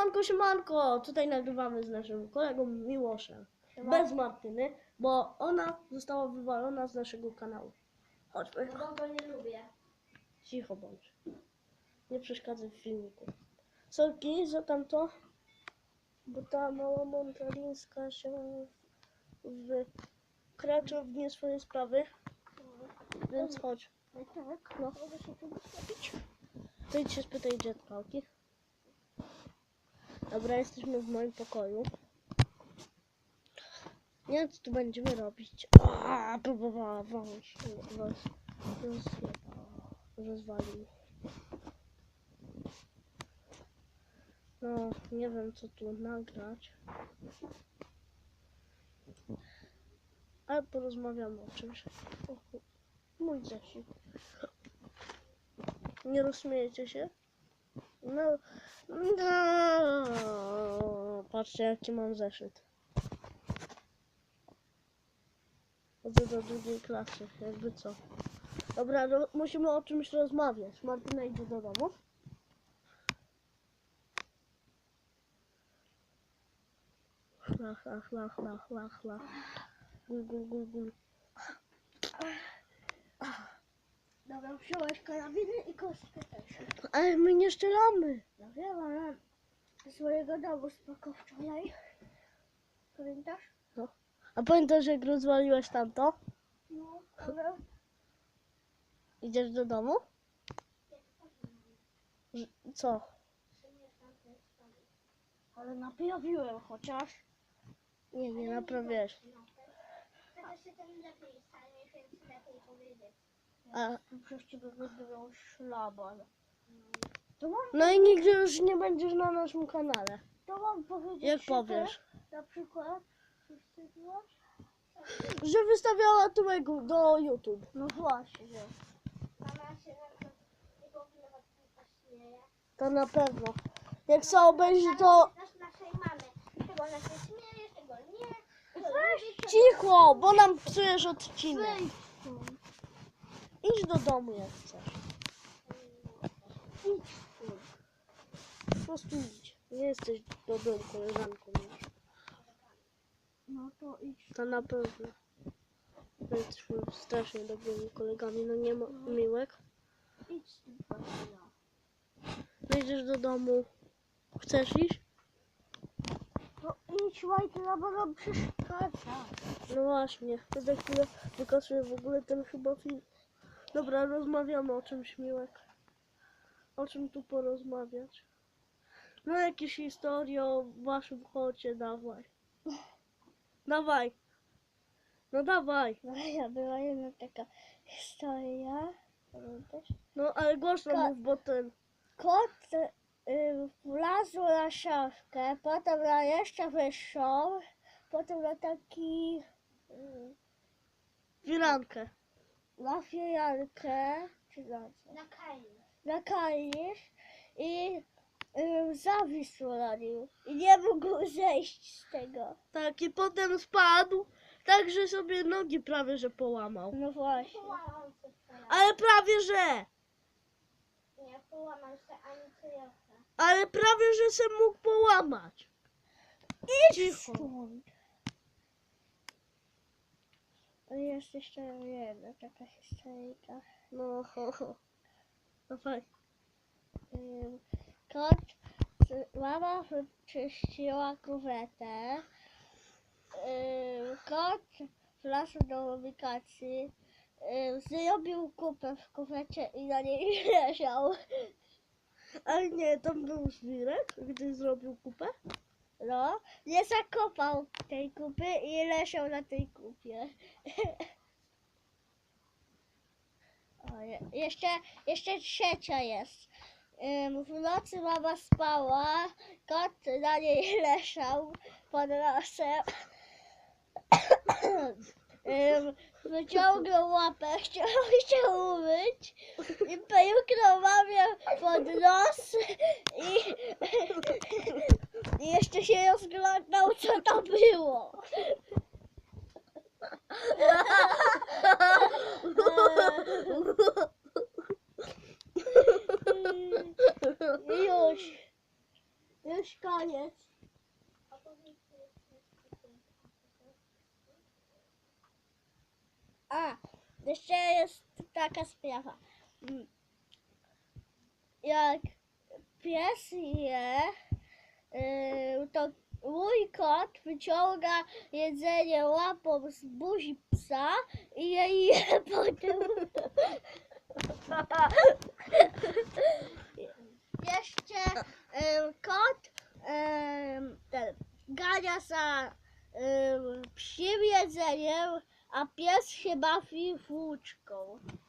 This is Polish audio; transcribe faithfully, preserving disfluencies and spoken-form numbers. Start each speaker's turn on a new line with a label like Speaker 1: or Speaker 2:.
Speaker 1: Siemanko, siemanko! Tutaj nagrywamy z naszym kolegą Miłoszem. Bez Martyny, bo ona została wywalona z naszego kanału. Chodźmy.
Speaker 2: No bo go nie lubię.
Speaker 1: Cicho bądź. Nie przeszkadzaj w filmiku. Sorki za tamto, bo ta mała montalińska się wkracza w nie swoje sprawy. Więc chodź.
Speaker 2: Tak,
Speaker 1: No.
Speaker 2: mogę się tu ustawić.
Speaker 1: To idź się spytaj dziadkałki. Dobra, jesteśmy w moim pokoju. Nie wiem, co tu będziemy robić. Aaa, próbowała wąż. Roz, roz, rozwalił. No, nie wiem, co tu nagrać. Ale porozmawiamy o czymś. O, mój zeszyt. Nie rozśmiejecie się? No, no. Patrzcie, jaki mam zeszyt. Chodzę do drugiej klasy, jakby co. Dobra, no, musimy o czymś rozmawiać. Martyna idzie do domu. Lach, lach, lach, lach, lach, lach. Gul, gul, gul, gul.
Speaker 2: Dobra, wziąłeś karabiny i kostkę też.
Speaker 1: Ale my nie strzelamy.
Speaker 2: Ja wiem, ale swojego domu spoko wczoraj. Pamiętasz?
Speaker 1: No. A pamiętasz, jak rozwaliłeś tamto?
Speaker 2: No, ale...
Speaker 1: Idziesz do domu? Że- Co?
Speaker 2: Ale naprawiłem chociaż.
Speaker 1: Nie, nie naprawiłeś.
Speaker 2: Teraz się ten lepiej stanie, więc lepiej powiedzieć.
Speaker 1: A,
Speaker 2: Przez ciebie wybrał szlaban. To mam,
Speaker 1: no i nigdy już nie będziesz na naszym kanale.
Speaker 2: to mam powiedzieć,
Speaker 1: Jak
Speaker 2: że
Speaker 1: powiesz?
Speaker 2: ty, na przykład, co wstydziłaś?
Speaker 1: Że wystawiała tyłek do YouTube.
Speaker 2: No właśnie.
Speaker 3: Mama się na nie powinna śmieje.
Speaker 1: To na pewno. Jak sobie obejrzy to...
Speaker 3: Znasz naszej mamy. Tego ona się śmieje, tego nie.
Speaker 1: Cicho, bo nam psujesz odcinek.
Speaker 2: Wyjdź stąd.
Speaker 1: Idź do domu jak chcesz.
Speaker 2: Idź stąd.
Speaker 1: Po prostu idź. Nie jesteś dobrą koleżanką już.
Speaker 2: No to idź.
Speaker 1: To na pewno. My jesteśmy strasznie dobrymi kolegami. No nie ma miłek.
Speaker 2: Idź z tym pasja.
Speaker 1: No idziesz do domu. Chcesz iść?
Speaker 2: No idź, Majtla, bo nam przeszkadza.
Speaker 1: No właśnie. To za chwilę wykasuję w ogóle ten chyba film. Dobra, rozmawiamy o czymś miłek. O czym tu porozmawiać? No jakieś historie o waszym chocie, dawaj. Dawaj. No dawaj.
Speaker 2: No ja była jedna taka historia. Pamiętasz?
Speaker 1: No ale głośno
Speaker 2: Ko-
Speaker 1: mów, bo ten...
Speaker 2: Kot y, wlazł na szafkę, potem na jeszcze wyższą, potem na taki y,
Speaker 1: Firankę.
Speaker 2: na firankę, czy na co?
Speaker 3: Na kaju.
Speaker 2: Na kalisz i y, zawisł na nim i nie mógł zejść z tego.
Speaker 1: Tak, i potem spadł, tak że sobie nogi prawie że połamał.
Speaker 2: No właśnie.
Speaker 3: Połamał się teraz.
Speaker 1: Ale prawie że!
Speaker 3: Nie połamał się ani cyjoka.
Speaker 1: Ale prawie że se mógł połamać. Cicho.
Speaker 2: Stąd. Ale jest jeszcze jedna taka historyjka.
Speaker 1: No, ho, ho. Dawaj.
Speaker 2: Ym, Kot, mama wyczyściła kuwetę. Ym, Kot wlazł do ubikacji. Ym, Zrobił kupę w kuwecie i na niej leżał.
Speaker 1: Ale nie, tam był żwirek, gdy zrobił kupę.
Speaker 2: No, nie zakopał tej kupy i leżał na tej kupie. O, je, jeszcze, jeszcze trzecia jest. Ym, w nocy mama spała, kot na niej leżał pod nosem. Ym, wyciągnął łapę, chciał się umyć i pęknął mamie pod nos i, i jeszcze się rozglądał, co to było. Już. Już koniec.
Speaker 3: A powiedz, co jest jeszcze.
Speaker 2: A, jeszcze jest taka sprawa. Mm, Jak pies je, yy, to mój kot wyciąga jedzenie łapą z buzi psa i je je potem. Jeszcze yy, kot yy, ten, gania za yy, psim jedzeniem, a pies się bawi włóczką.